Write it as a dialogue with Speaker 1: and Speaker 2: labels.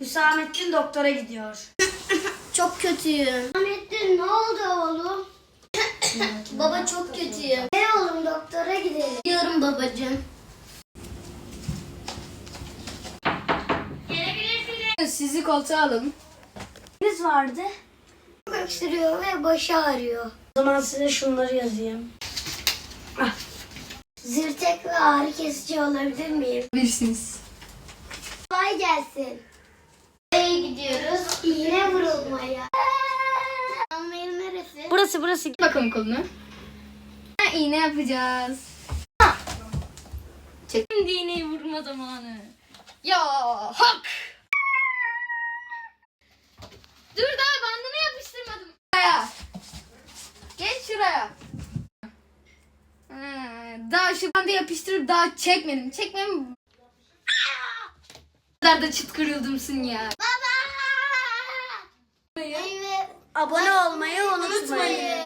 Speaker 1: Hüsamettin doktora gidiyor.
Speaker 2: Çok kötüyüm.
Speaker 3: Hüsamettin ne oldu oğlum?
Speaker 2: Baba çok kötüyüm.
Speaker 3: Ne oğlum doktora gidelim.
Speaker 2: Gidiyorum babacığım. Sizi koltuğa alın.
Speaker 1: Neyiniz vardı?
Speaker 3: Çok öksürüyor ve başı ağrıyor.
Speaker 1: O zaman size şunları yazayım.
Speaker 3: Zırtek ve ağrı kesici alabilir miyim?
Speaker 2: Bilirsiniz.
Speaker 3: Kolay gelsin.
Speaker 2: Nereye gidiyoruz?
Speaker 3: İğne vurulmaya. Anlayın neresi?
Speaker 1: Burası.
Speaker 2: Bakalım kolunu. İğne yapacağız. Çek. Şimdi iğneyi vurma zamanı. Ya hak. Dur daha bandını yapıştırmadım. Şuraya. Geç şuraya. Daha şu bandı yapıştırıp daha çekmedim. Çekmem. Bu kadar da çıt kırıldımsın ya.
Speaker 3: Evet.
Speaker 1: Abone olmayı unutmayın.